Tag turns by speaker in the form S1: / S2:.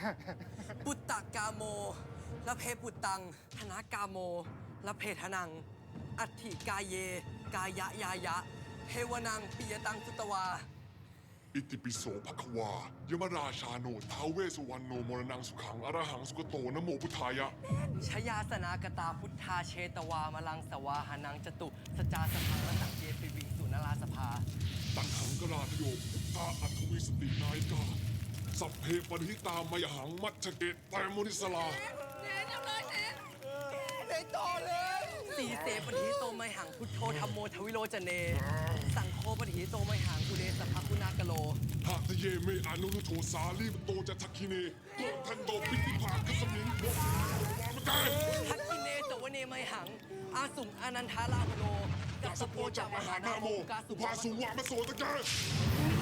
S1: ปุตตะกาโมละเพปุตตังธนากาโมละเพทนัง อัตถิกายเย กายะยายะเทวนังปิยตังสุตวา
S2: อิติปิโสภควายมราชาโนท้าวเวสสุวรรณโนมรณังสุขังอรหังสุกโตนะโมพุทธายะ
S1: ชยาสนากตาพุทธาเชตวามลังสวาหานังจตุสจาสพังละสังเกปิวิงสุนราสภา
S2: ตังหังกราทโยพุทธาอัตวิสตินายกาสัพเพปริตามยหังมัจฉเกตแตมุนิสลา
S1: สีเสปฏิโตไมหังพุทโธธรรมโมทวิโรจเน สังโฆปฏิโตไมหังกุเลสภคุณากโล
S2: หากเยเมอนุรุโทสาลีมโตจะทักคิเนโกทันโดปิติภาคัสมิงวามกาย
S1: ทักกิเนสวเนไมหัง อาสุงอนันทาราโล
S2: กาสโปจากมหานาโม
S1: กาสุ
S2: ภาสุวามโสตะเก
S1: ม